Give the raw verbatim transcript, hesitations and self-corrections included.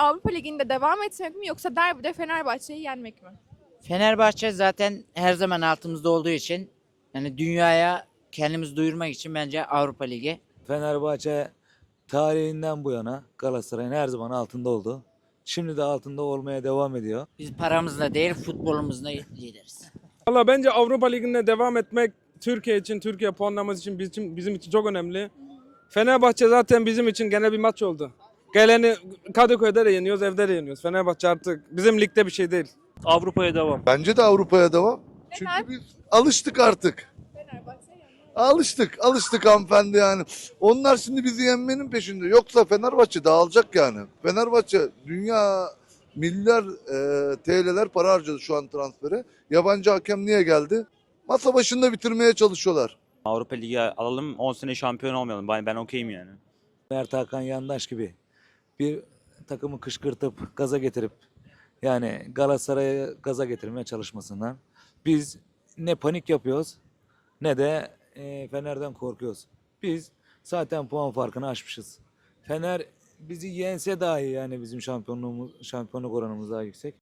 Avrupa Ligi'nde devam etmek mi yoksa derbide Fenerbahçe'yi yenmek mi? Fenerbahçe zaten her zaman altımızda olduğu için yani dünyaya kendimizi duyurmak için bence Avrupa Ligi. Fenerbahçe tarihinden bu yana Galatasaray'ın her zaman altında oldu. Şimdi de altında olmaya devam ediyor. Biz paramızla değil futbolumuzla lideriz. Valla bence Avrupa Ligi'nde devam etmek Türkiye için, Türkiye puanlaması için bizim, bizim için çok önemli. Fenerbahçe zaten bizim için gene bir maç oldu. Geleni Kadıköy'de de yeniyoruz, evde de yeniyoruz. Fenerbahçe artık bizim ligde bir şey değil. Avrupa'ya devam. Bence de Avrupa'ya devam. Neden? Çünkü biz alıştık artık. Fenerbahçe yenmek. Alıştık, alıştık hanımefendi yani. Onlar şimdi bizi yenmenin peşinde. Yoksa Fenerbahçe dağılacak yani. Fenerbahçe dünya milyar e, T L'ler para harcadı şu an transfere. Yabancı hakem niye geldi? Masa başında bitirmeye çalışıyorlar. Avrupa Ligi alalım, on sene şampiyon olmayalım. Ben, ben okeyim yani. Mert Hakan Yandaş gibi bir takımı kışkırtıp gaza getirip yani Galatasaray'ı gaza getirmeye çalışmasından biz ne panik yapıyoruz ne de e, Fener'den korkuyoruz. Biz zaten puan farkını aşmışız. Fener bizi yense dahi yani bizim şampiyonluğumuz şampiyonluk oranımız daha yüksek.